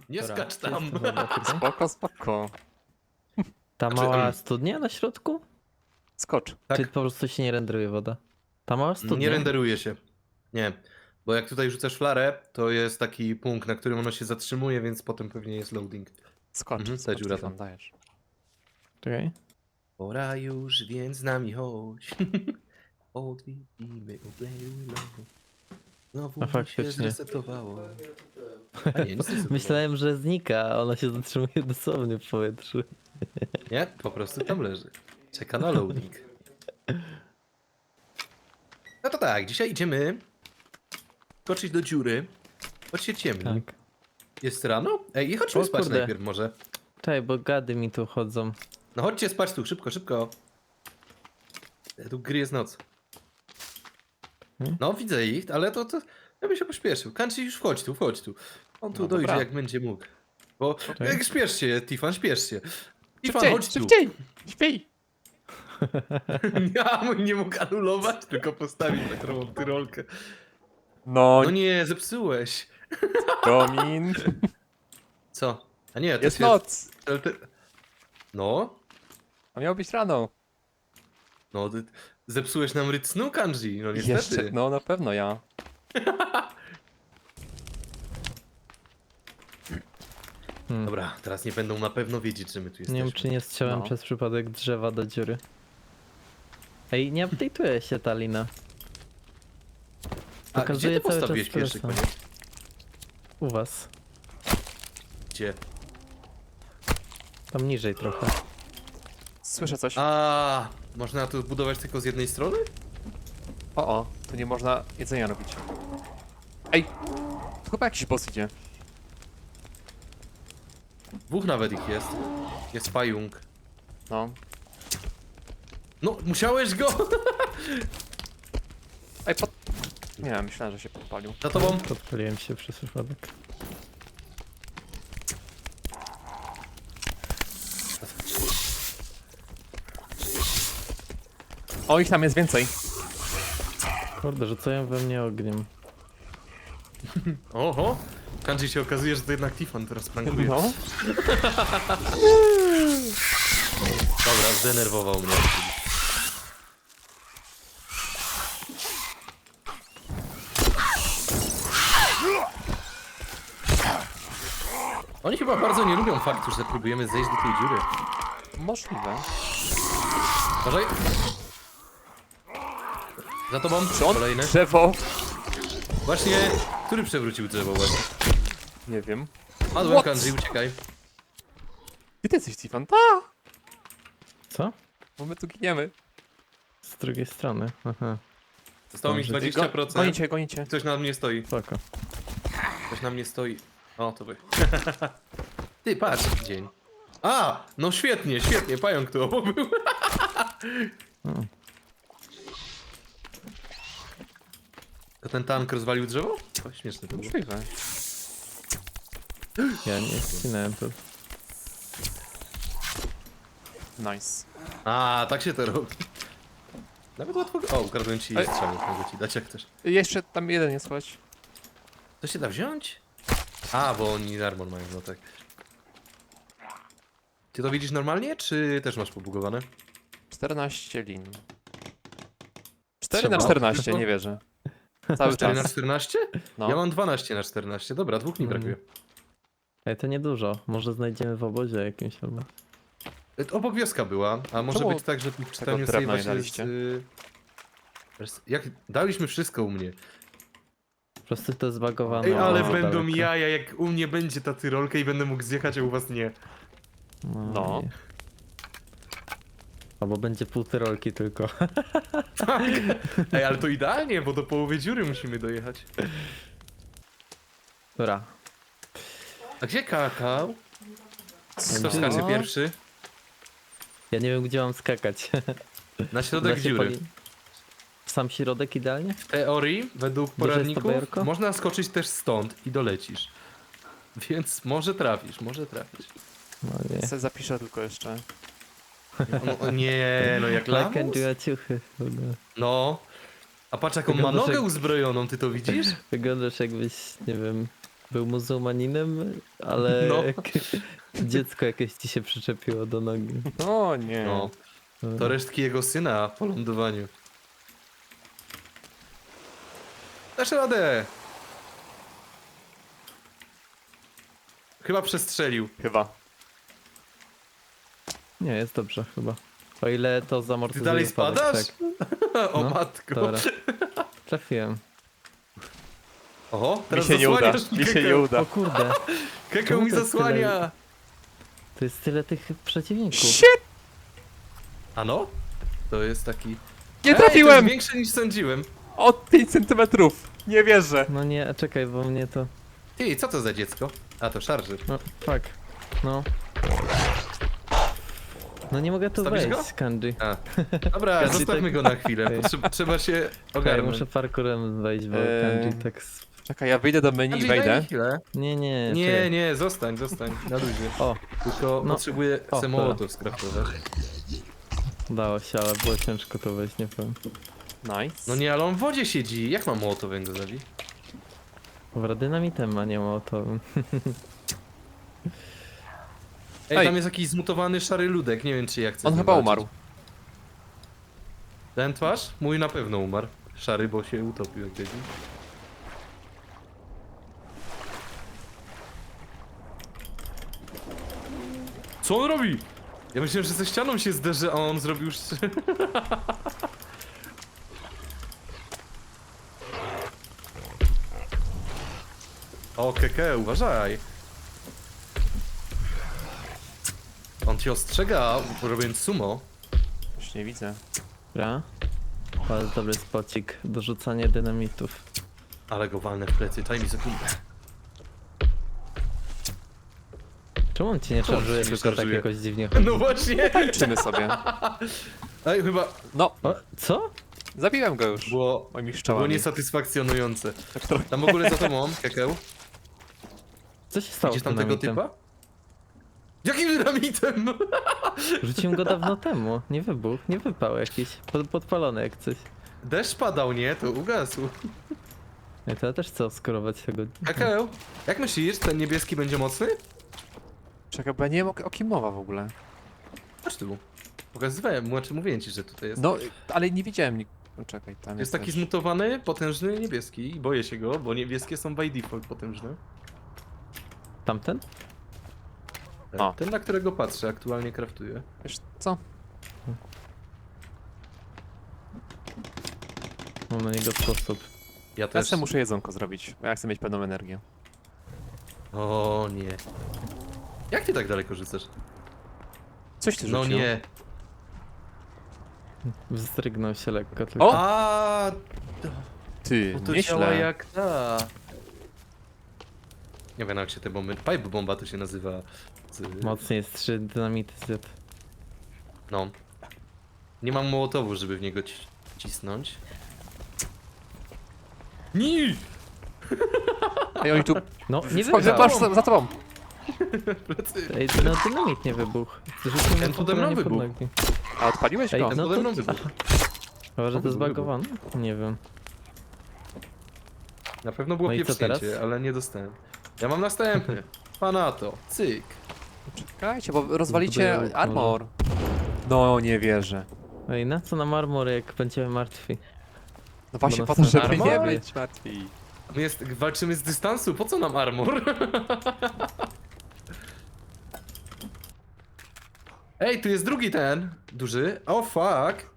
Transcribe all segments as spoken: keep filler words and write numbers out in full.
Nie Dobra, skacz gdzie tam. jest ta woda tutaj? Spoko, spoko. Ta Znaczy, mała em, studnia na środku? Skocz. Tak. Czy po prostu się nie renderuje woda? Ta mała studnia? Nie renderuje się. Nie. Bo jak tutaj rzucasz flarę, to jest taki punkt, na którym ono się zatrzymuje, więc potem pewnie jest loading. Skocz, Mhm, ta skocz, dziura Stefan, tam. dajesz. Czekaj. Pora już, więc z nami chodź. Odwiedzimy obleły Znowu A mi się faktycznie. zresetowało. A nie, nie zresetowało. Myślałem, że znika, a ona się zatrzymuje dosłownie w powietrzu. Nie, po prostu tam leży. Czeka na loading. No to tak, dzisiaj idziemy skoczyć do dziury. Choć się ciemni. Tak. Jest rano? Ej, chodźmy O spać kurde. najpierw może. Czekaj, bo gady mi tu chodzą. No chodźcie spać tu, szybko, szybko. E, Tu gry jest noc. Hmm? No, widzę ich, ale to, to ja bym się pośpieszył. Kanci już wchodź tu, wchodź tu. On tu No dojdzie dobra. jak będzie mógł. Bo Tak. jak śpiesz się, Tifan, śpiesz się. Tifan, Szybciej, chodź tu. szybciej! Śpij! Ja mój nie mógł anulować, tylko postawić taką tyrolkę. No, No nie, zepsułeś. Domin. Co? A nie, to Jest się... noc. ale ty- No, A miało być rano. no, ty zepsułeś nam ryt snu, Kanji, no niestety. Jeszcze, no na pewno ja. Hmm. Dobra, teraz nie będą na pewno wiedzieć, że my tu Nie jesteśmy. wiem, czy nie strzelam No. przez przypadek drzewa do dziury. Ej, nie update'uje się ta lina. A gdzie Pokazuje ty cały czas postawiłeś pierwszy tyle koniec? U was. Gdzie? Tam niżej trochę. Słyszę coś. A, można tu budować tylko z jednej strony? O, o, tu nie można jedzenia robić. Ej, tu chyba jakiś boss idzie. Dwóch nawet ich jest. Jest pająk. No. No, musiałeś go! Ej, pod... Nie, myślałem, że się podpalił. Za tobą. Podpaliłem się przez przypadek. O, ich tam jest więcej. Kurde, rzucają we mnie ogniem. Oho! Kanji się okazuje, że to jednak Tifan teraz prankuje. No. Dobra, zdenerwował mnie. Oni chyba bardzo nie lubią faktu, że próbujemy zejść do tej dziury. Możliwe. Uważaj! Za tobą, Czy on kolejny. drzewo? Właśnie, który przewrócił drzewo właśnie? Nie wiem. Padłem, What? Kanji, uciekaj. Gdzie ty jesteś, Stefan? Ta! Co? Bo my tu giniemy. Z drugiej strony. Aha, Zostało mi Dobrze. dwadzieścia Go, procent. gonicie, gonicie. Ktoś na mnie stoi. spoko. Ktoś na mnie stoi. O, to wy. Ty, patrz, dzień. A, no świetnie, świetnie, pająk tu obok był. Hmm. To ten tank rozwalił drzewo? O, śmieszne to było. Możliwe. Ja nie ścinałem to. Nice. A, tak się to robi. Nawet łatwo... O, ukradłem ci Ej. strzałek, mogę ci dać jak też. Jeszcze tam jeden jest, chodź. To się da wziąć? A, bo oni armor mają, no tak. Ty to widzisz normalnie, czy też masz pobugowane? czternaście lin. cztery Trzeba. na czternaście, nie wierzę. Cały cztery na czas. czternaście? No. Ja mam dwanaście na czternaście, dobra, dwóch mi Mm. brakuje. Ej, to niedużo. Może znajdziemy w obozie jakimś albo. E, Obok wioska była, a może Czemu być tak, że w czytaniu drewna save'a nie się daliście? z, y... res- Jak daliśmy wszystko u mnie. Po prostu to zbagowane. Ej, ale za będą daleko. jaja, jak u mnie będzie ta tyrolka i będę mógł zjechać, a u was nie. No. nie. Albo będzie pół tyrolki tylko. Tak. Ej, ale to idealnie, bo do połowy dziury musimy dojechać. Dobra. A gdzie kakao? Kto No. skacze pierwszy? Ja nie wiem, gdzie mam skakać. Na środek Da się dziury. poli- W sam środek idealnie? W teorii, według Duże jest to poradników, bajerko? można skoczyć też stąd i dolecisz. Więc może trafisz, może trafisz. No nie. Se zapiszę tylko jeszcze. No, o nie, no jak I can lamus? do a ciuchy. No. A patrz jaką ma Wyglądasz nogę jak- uzbrojoną, ty to widzisz? Wyglądasz jakbyś, nie wiem, był muzułmaninem, ale No. jak dziecko jakieś ci się przyczepiło do nogi. O nie. No, to resztki jego syna po lądowaniu. Dasz radę! Chyba przestrzelił. Chyba. Nie, jest dobrze chyba. O ile to Ty zamortyzuje dalej wypadek, spadasz? Tak. O No, matko. Dobra. Trafiłem. Oho, Mi teraz się nie uda. zasłaniasz Mi się Kekeł. nie uda. O kurde, Kekeł Czemu mi to jest zasłania! to jest tyle tych przeciwników. Shit! A no? To jest taki... Nie Ej, to trafiłem! jest większe niż sądziłem. O pięć centymetrów. Nie wierzę. No nie, czekaj, bo mnie to... Ty, co to za dziecko? A, to szarży. No, fuck. No. No nie mogę tu Stawisz wejść, go? Kanji. A. Dobra, Kanji zostawmy tak- go na chwilę. Ej. Potrze- trzeba się Ja ogarnąć. muszę parkurem wejść, bo Eee, Kanji tak... s- Czekaj, ja wyjdę do menu i Andrzej, daj mi wejdę. chwilę. Nie, nie, Nie, czekaj. nie, zostań, zostań. Na luzie. O, Tylko No. potrzebuję O, se mołotów skraftować. udało się, ale było ciężko to wejść, nie powiem. Nice. No nie, ale on w wodzie siedzi. Jak mam mołotowym go zabić? Dobra, dynamitem, a nie mołotowym. Ej, Ej. tam jest jakiś zmutowany szary ludek. Nie wiem, czy ja chcę On z nim chyba walczyć. umarł. Ten twarz? Mój na pewno umarł. Szary, bo się utopił jak debil. Co on robi? Ja myślałem, że ze ścianą się zderzy, a on zrobił już... O, keke, uważaj. On cię ostrzega, robiąc sumo. Już nie widzę. Dobra. Bardzo dobry spocik, dorzucanie dynamitów. Ale go walnę w plecy, daj mi sekundę. Czemu on ci nie Czemu on szarżuje, ci nie tylko tak szarżuje? jakoś dziwnie chodzi? No właśnie! Tańczymy sobie. Ej, chyba No, O, co? zabiłem go już. było, Moimi było szczałami. niesatysfakcjonujące. Tak trochę. Tam w ogóle za tobą, Kekeł. Co się stało Widzisz z tam tego dynamitem? typa? Jakim dynamitem? Rzuciłem go dawno temu, nie wybuchł, nie wypał jakiś, pod, podpalony jak coś. Deszcz padał, nie? To ugasł. Ej, to ja też chcę oskurować tego. Kekeł, jak myślisz, ten niebieski będzie mocny? Czekaj, bo ja nie wiem o, o kim mowa w ogóle. Chodź tu. Pokazywałem, znaczy mówiłem ci, że tutaj jest. No, ale nie widziałem nik... No, czekaj, tam Jest jest taki też. zmutowany, potężny niebieski i boję się go, bo niebieskie są by default potężne. Tamten? O. Ten, na którego patrzę, aktualnie kraftuję. Wiesz co? Mam na niego sposób. Ja Ja też. sobie muszę jedzonko zrobić, bo ja chcę mieć pełną energię. O nie. Jak ty tak daleko rzucasz? Coś ty No rzucił. nie. Wzdrygnął się lekko tylko. O! A, Ty, bo to działa nieźle. jak ta. Nie wiem jak się te bomby. Pipe bomba to się nazywa. Z... Mocniej jest trzy dynamity zjadł. No. Nie mam mołotowu, żeby w niego ci cisnąć. Nie! Ej, oni tu... No, nie Chodź, wybuchł. masz za, za tobą. Plecy. Ej, no dynamit nie wybuchł. Zrzucił mnie Ten pode mną nie pod wybuchł. nogi. A odpaliłeś Ej, go? Ten no pode to- mną wybuchł. Chyba, że to Wybuchł, zbagowane? Nie wiem. Na pewno było No i co pieprznięcie, teraz? ale nie dostałem. Ja mam następny. Pana to. Cyk. Czekajcie, bo rozwalicie Zbuduję armor. No, nie wierzę. Ej, na co nam armor, jak będziemy martwi? No właśnie Bo po to, nas żeby armor? nie być martwi. My jest, walczymy z dystansu, po co nam armor? Ej, tu jest drugi ten, duży. O oh, fuck.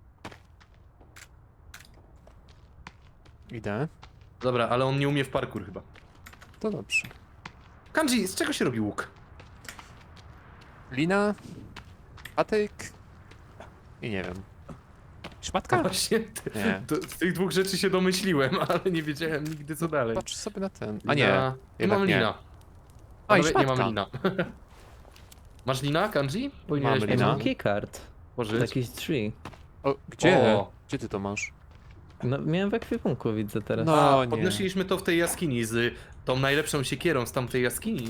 Idę. Dobra, ale on nie umie w parkour chyba. To dobrze. Kanji, z czego się robi łuk? Lina, patyk i nie wiem. Szmatka? Właśnie, ty, Nie. to, z tych dwóch rzeczy się domyśliłem, ale nie wiedziałem nigdy co dalej. Patrz sobie na ten. A nie, Lina. Nie jednak mam nie. lina. A, i Panowie, nie szmatka. mam lina. Masz lina, Kanji? Powinieneś Mam Ej, lina. mam keycard. Pożyć. Jakieś drzwi. O, gdzie? O. Gdzie ty to masz? No, miałem w ekwipunku, widzę teraz. No. A, nie. podnosiliśmy to w tej jaskini z tą najlepszą siekierą z tamtej jaskini.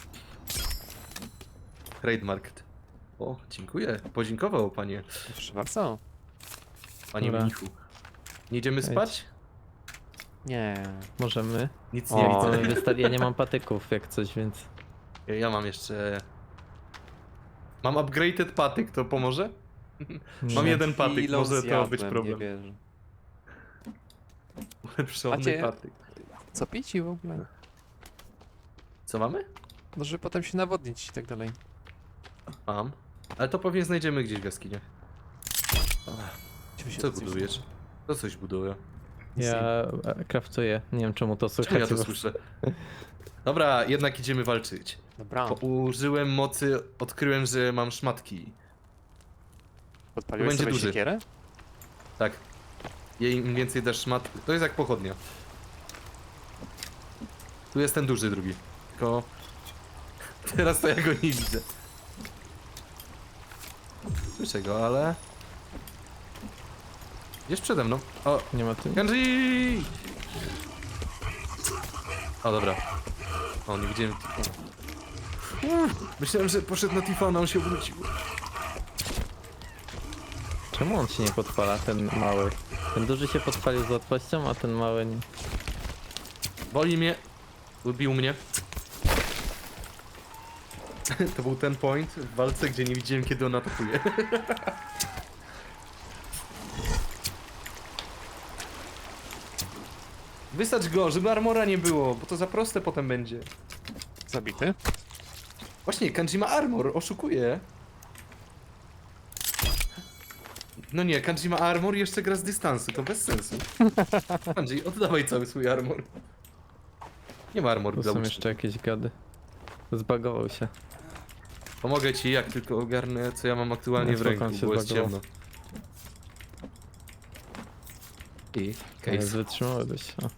Trademarked. O, dziękuję. Podziękował panie, Proszę bardzo. panie Dobra. mnichu. Nie idziemy Wejdź. spać? Nie. Możemy. Nic O. nie To widzę. mi wystar- ja nie mam patyków jak coś, więc... Ja mam jeszcze... Mam upgraded patyk, to pomoże? Mam Nie. jeden patyk, Chwilą może to zjadłem, być problem. Nie wierzę. Ulepszony Macie- patyk. Co pić i w ogóle? Co mamy? No, żeby potem się nawodnić i tak dalej. Mam. Ale to pewnie znajdziemy gdzieś w jaskiniach. Ciu się Co coś- budujesz? To coś buduje. Ja e, craftuję. Nie wiem czemu to Czemu słychać. ja to bo- słyszę? Dobra, jednak idziemy walczyć. Dobra, Bo użyłem mocy, odkryłem, że mam szmatki. podpaliłeś będzie sobie duży. siekierę? Tak. Jej im więcej dasz szmat... To jest jak pochodnia. Tu jest ten duży drugi. Tylko... Teraz to ja go nie widzę. Słyszę go, ale... Jest przede mną. O, Nie ma tu... Kanji! O, dobra. O, nie widziałem... Uff, myślałem, że poszedł na Tifana, on się obrócił. Czemu on się nie podpala, ten mały? Ten duży się podpalił z łatwością, a ten mały nie. Boli mnie. Ubił mnie. To był ten point w walce, gdzie nie widziałem, kiedy on atakuje. Wysać go, żeby armora nie było, bo to za proste potem będzie. Zabity? Właśnie, Kanji ma armor, oszukuje. No nie, Kanji ma armor i jeszcze gra z dystansu, to bez sensu. Kanji, oddawaj cały swój armor. Nie ma armoru Tu dla są uczniów. jeszcze jakieś gady. Zbagował się. Pomogę ci, jak tylko ogarnę, co ja mam aktualnie No, w spoko, ręku, on się bo jest zbagował. ciemno. I Ale case. wytrzymałeś. O.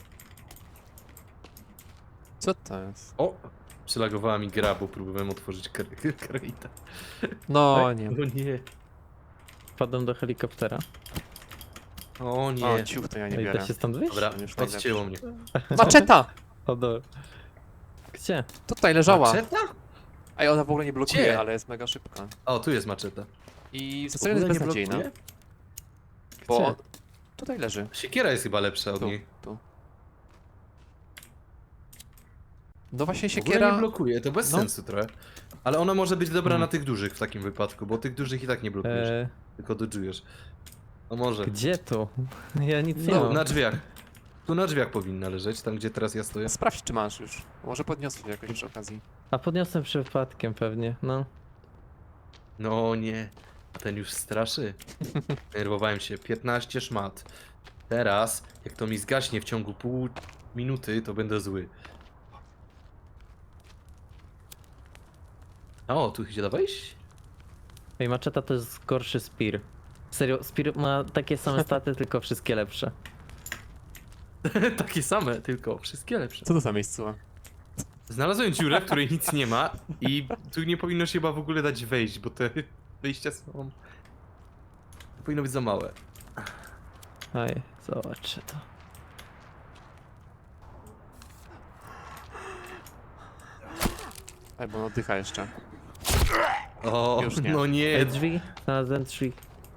Co to jest? O! Przylagowała mi gra, bo próbowałem otworzyć kar- karita. No nie. O nie. Wpadłem do helikoptera. O nie. O, ciuch to ja nie Ej, biorę. da się stąd wyjść? Dobra, Już najlepsze. odcięło mnie. Maczeta! O, dobra. Gdzie? Tutaj leżała. Maczeta? Ej, ona w ogóle nie blokuje, Gdzie? ale jest mega szybka. O, tu jest maczeta. I w W zasadzie jest ogóle nie beznadziejna. blokuje? Bo Gdzie? on... tutaj leży. Siekiera jest chyba lepsza od Tu, niej. tu. No właśnie W ogóle nie siekiera... blokuje, to bez No. sensu trochę. Ale ona może być dobra Hmm. na tych dużych w takim wypadku, bo tych dużych i tak nie blokujesz, E, tylko dodżujesz. No może. gdzie tu? Ja nic nie No, mam. na drzwiach. Tu na drzwiach powinna leżeć, tam gdzie teraz ja stoję. Sprawdź czy masz już. Może podniosę jakoś przy okazji. A podniosłem przypadkiem pewnie, no. No nie, a ten już straszy. Nerwowałem się, piętnaście szmat. Teraz, jak to mi zgaśnie w ciągu pół minuty, to będę zły. O, tu idzie wejść? Ej, maczeta to jest gorszy Spear. Serio, Spear ma takie same staty, tylko wszystkie lepsze. Takie same, tylko wszystkie lepsze. Co to za miejscowa? Znalazłem dziurę, w której nic nie ma i tu nie powinno się chyba w ogóle dać wejść, bo te wyjścia są... To powinno być za małe. Aj, zobaczę to. Ej, bo on oddycha jeszcze. O, Już nie. no nie. Ej, drzwi? Znalazłem drzwi.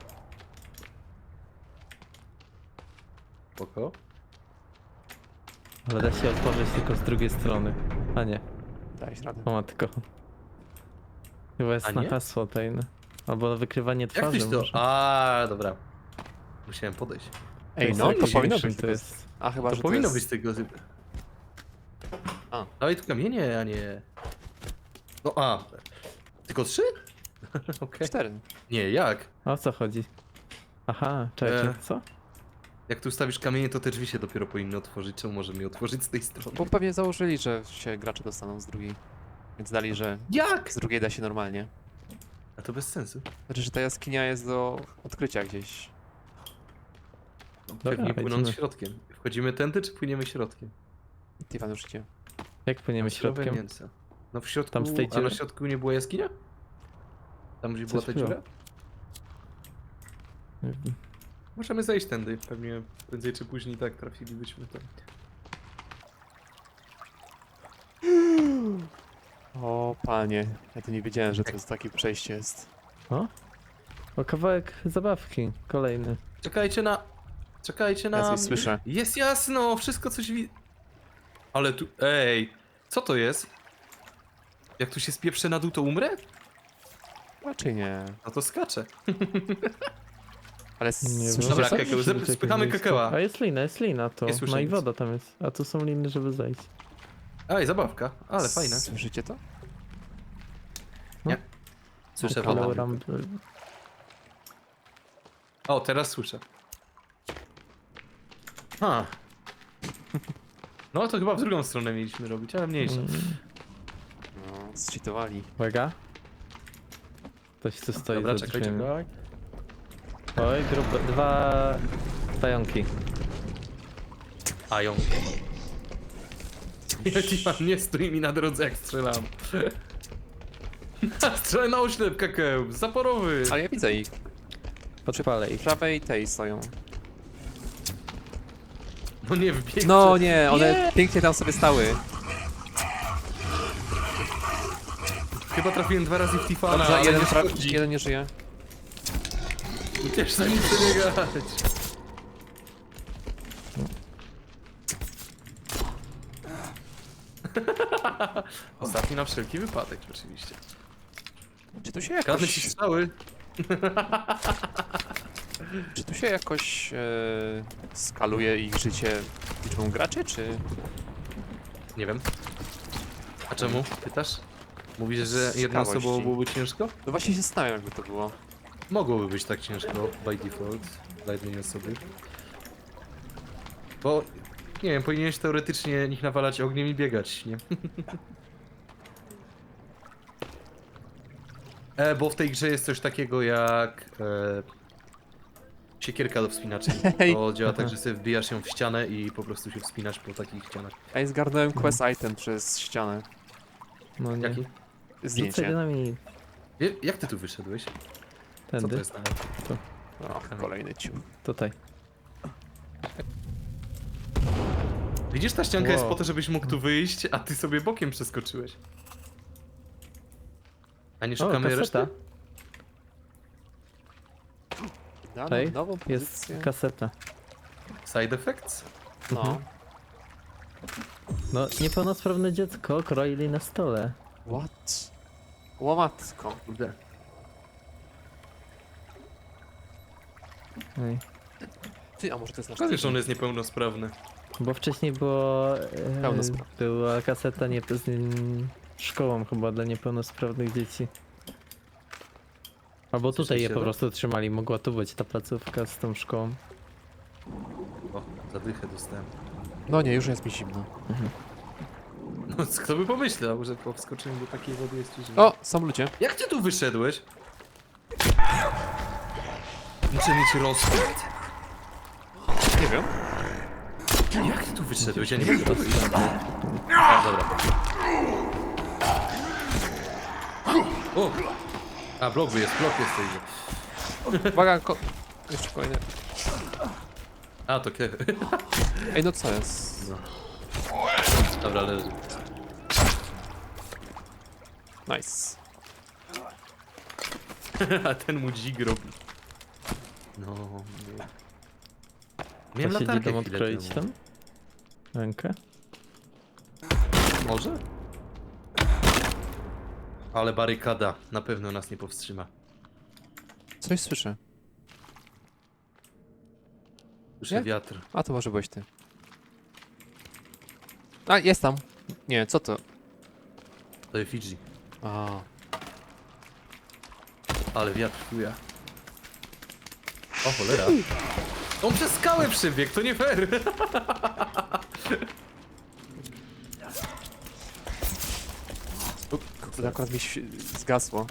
Spoko. Ale da się otworzyć tylko z drugiej strony. A nie, Daj radę. o matko. Chyba jest A na nie? hasło tajne. Albo wykrywanie Jak twarzy tyś to? może. A, dobra. Musiałem podejść. Ej, jest no to jakiś powinno większy, być to tego... jest. A chyba, To że powinno to być jest... z tego zyb. A. Dawaj tu kamienie, a nie... No a. Tylko trzy? Okej. Cztery. Nie, jak? A o co chodzi? Aha, czekaj, E. co? Jak tu stawisz kamienie, to te drzwi się dopiero powinny otworzyć. Czemu może mi otworzyć z tej strony? Bo pewnie założyli, że się gracze dostaną z drugiej. Więc dali, że Jak? z drugiej da się normalnie. A to bez sensu. Znaczy, że ta jaskinia jest do odkrycia gdzieś. No, Dobra, pewnie płynąc idziemy. środkiem. Wchodzimy tędy, czy płyniemy środkiem? Tiwan już idzie. Jak płyniemy Surowe środkiem? mięso. No w środku, Tam z tej a na dziury. środku nie była jaskinia? Tam gdzie była Coś ta było. dziura? Możemy zejść tędy, pewnie prędzej czy później tak trafilibyśmy tam. O panie, ja to nie wiedziałem, że to jest takie przejście jest. O? O, kawałek zabawki. Kolejny. Czekajcie na... Czekajcie na Ja coś mnie. słyszę. Jest jasno, wszystko coś wi... Ale tu... Ej, co to jest? Jak tu się spieprzę na dół, to umrę? Raczej nie. No to skaczę. Ale Nie słyszycie wiem. Dobra, coś? Kekeł, Musi zep- być jakieś spychamy miejsce. Kekeła. A jest lina, jest lina to. Nie słyszę No i nic. woda tam jest. A tu są liny, żeby zejść. Ej, zabawka, ale fajne. Słyszycie to? Słyszę Upalamy. wodę. Ram... O, teraz słyszę. Ha. No to chyba w drugą stronę mieliśmy robić, ale mniejsza. Mm, No, zcheatowali. Uwaga. Ktoś tu stoi Dobra, za czekaj, drzwiami. czekaj. Oj, grube, dwa pająki. A ją. Jaki nie stój mi na drodze, jak strzelam. Strzelaj na oślep, Kekeł, zaporowy. Ale ja widzę ich. Podpalę W ich. prawej tej stoją. No nie wbiegł. No nie, one Nie! pięknie tam sobie stały. Chyba trafiłem dwa razy w Tifana, Dobrze, ale jeden, nie tra- szkodzi. jeden nie żyje. Uciesz za nim przebiegać. Ostatni na wszelki wypadek, oczywiście. Czy tu się Kradnę ci jakoś, strzały. czy tu się jakoś e, skaluje ich życie liczbą graczy, czy... Nie wiem. A czemu? Pytasz? Mówisz, że Z jedną ciekawości. osobą byłoby ciężko? No właśnie się zastanawiam, jakby to było. Mogłoby być tak ciężko by default dla jednej osoby. Bo, nie wiem, powinieneś teoretycznie nich nawalać ogniem i biegać, nie? e, bo w tej grze jest coś takiego jak e, siekierka do wspinaczy. Hej. To działa tak, że sobie wbijasz ją w ścianę i po prostu się wspinasz po takich ścianach. Ej, zgarnąłem quest item przez ścianę. No nie. Jaki? Rzucaj Zdjęcie. dynamit. Je- Jak ty tu wyszedłeś? Co to Tędy. jest na... O, kolejny ciuch. Tutaj. Widzisz, ta ścianka jest Wow. po to, żebyś mógł tu wyjść, a ty sobie bokiem przeskoczyłeś. A nie O, szukamy kaseta. reszty? Dano Tutaj nową jest pozycję. kaseta. Side effects? No. Mhm. No, niepełnosprawne dziecko kroili na stole. What? Łomatko. Kurde. Ej. Ty, a może to jest nasz Szkoda, że on team? jest niepełnosprawny. Bo wcześniej było... E, Pełnosprawny. była kaseta nie, z mm, szkołą chyba dla niepełnosprawnych dzieci. Albo tutaj je Słyszeliście po to? prostu trzymali. Mogła tu być ta placówka z tą szkołą. O, zadychę dostałem. No nie, już jest mi zimno. No, kto by pomyślał, że po wskoczeniu do takiej wody jest ci zimno. O, są ludzie. Jak ty tu wyszedłeś? Muszę mieć rozkład? Nie wiem. Jak ty tu wyszedłeś? Ja nie mogę tu wyjść. A, dobra. O! A, blok jest, blok jest tej. Uwaga, ko... jeszcze kolejny. A, to kie... Ej, no co jest? No. Dobra, leży. Nice. A ten mu dzik robi. No, nie. Miałem To siedzi latarkę tam chwilę odkroić temu. tam? Rękę? Może? Ale barykada na pewno nas nie powstrzyma. Coś słyszę. Słyszę Nie? wiatr. A, to może byłeś ty. A, jest tam. Nie, co to? To jest Fidżi. A, Ale wiatr chuja. O cholera. On przez skałę przybiegł, to nie fair. kurde, akurat mi się zgasło.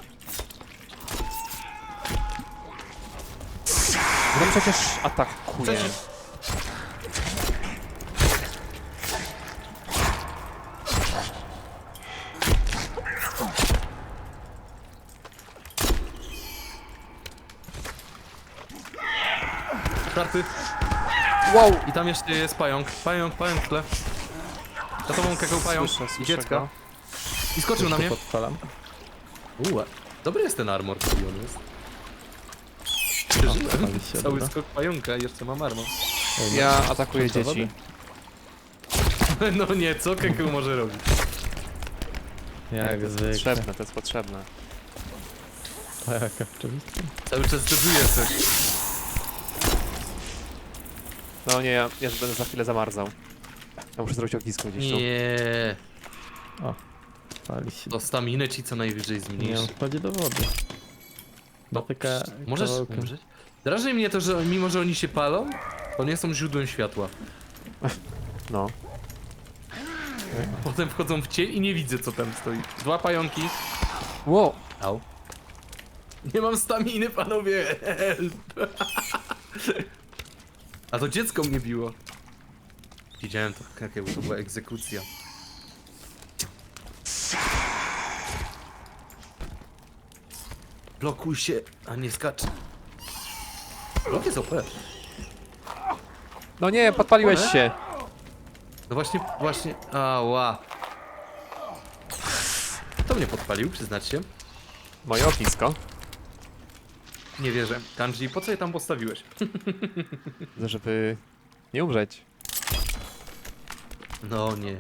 No przecież atakuje. Przecież- Karty. Wow! I tam jeszcze jest pająk. Pająk, pająk w tle. Za tobą kakał pająk. Słyszę, I słyszę dziecka. go. I skoczył na Już mnie. to podpalam. Uła. Dobry jest ten armor, który on jest. Pali się, Cały dobra. skok pająka i jeszcze mam armor. Ej, Ja atakuję Co, dzieci. No nie, co Kekeł może robić? Jak to jest zwykle. potrzebne, to jest potrzebne. Tak, oczywiście. Cały czas doduje coś. No nie, ja, ja już będę za chwilę zamarzał. Ja muszę zrobić ognisko gdzieś tu. Nie, Pali się. to staminę ci co najwyżej Nie, on zmniejszy. wchodzi do wody. No, Dotyka możesz kawałkiem. umrzeć? Drażni mnie to, że mimo, że oni się palą, to nie są źródłem światła. No. Potem wchodzą w cień i nie widzę, co tam stoi. Dwa pająki. Wow! Au. Nie mam staminy, panowie! Help. A to dziecko mnie biło. Widziałem to, Kekeł, to była egzekucja. Blokuj się, a nie skacz. Blok jest O P. No nie, podpaliłeś One? się! No właśnie, właśnie, ała. Kto mnie podpalił, przyznać się? Moje ognisko. Nie wierzę. Kanji, po co je tam postawiłeś? Żeby nie umrzeć. No nie.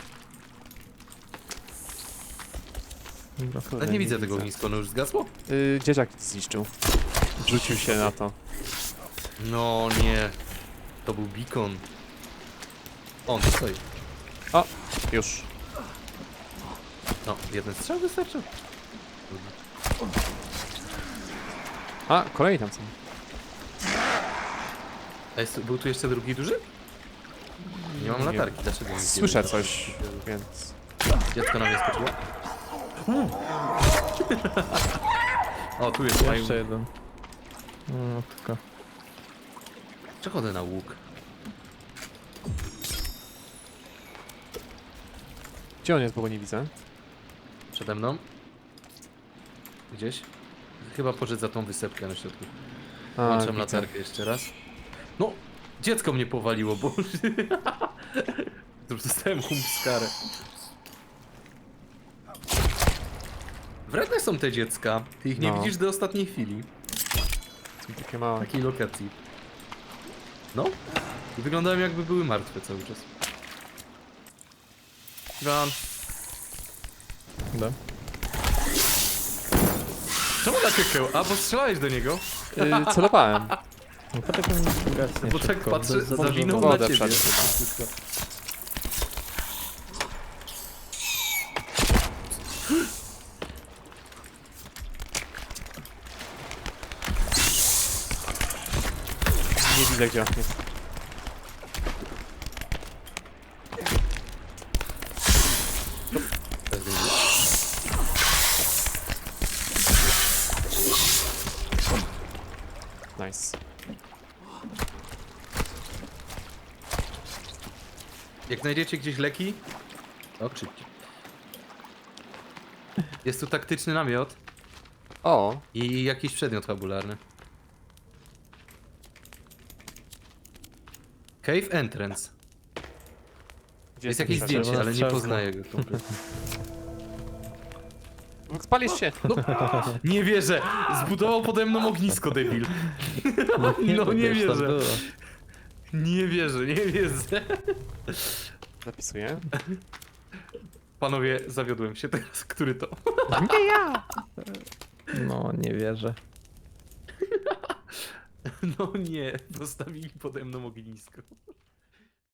Dobra. Kurde, Ale nie widzę tego ogniska, ono już zgasło? Yy, dzieciak zniszczył. Rzucił się na to. No nie. To był beacon. O, on tu stoi. O! Już. No, jeden strzał wystarczył. A, kolejni tam są. A jest, był tu jeszcze drugi duży? Nie mam Nie. latarki, dlaczego nie Słyszę widzę? coś, więc... Dziecko na mnie skoczyło. O, tu jest Jeszcze mają. jeden. No tylko. Przechodzę na łuk. Gdzie on jest, bo go nie widzę? Przede mną. Gdzieś. Chyba poszedł za tą wysepkę na środku. A, Włączam widzę. latarkę jeszcze raz. No! Dziecko mnie powaliło, bo... Już dostałem humpskarę. Wredne są te dziecka. Ty ich nie No. widzisz do ostatniej chwili. Są takie małe. Takiej lokacji. No. I wyglądają jakby były martwe cały czas. Run. Da. Czemu na kekeł? A, bo strzelałeś do niego? Yy, celowałem. No to tak on gasnie Bo tak szybko. patrzę, Za- za zawinął dużo na wodę ciebie. wszedł Nie widzę gdzie on jest. Nice. Jak znajdziecie gdzieś leki, to krzyczcie. Jest tu taktyczny namiot O! i jakiś przedmiot fabularny. Cave Entrance. Gdzie Jest ten jakieś przeszedł? zdjęcie, ale nie strzałka. poznaję go kompletnie. Spalisz się! Nie wierzę! Zbudował pode mną ognisko, debil. No to nie już tam wierzę. było. Nie wierzę, nie wierzę. Zapisuję. Panowie, zawiodłem się teraz. Który to? Nie ja! No, nie wierzę. No nie, zostawili pode mną ognisko.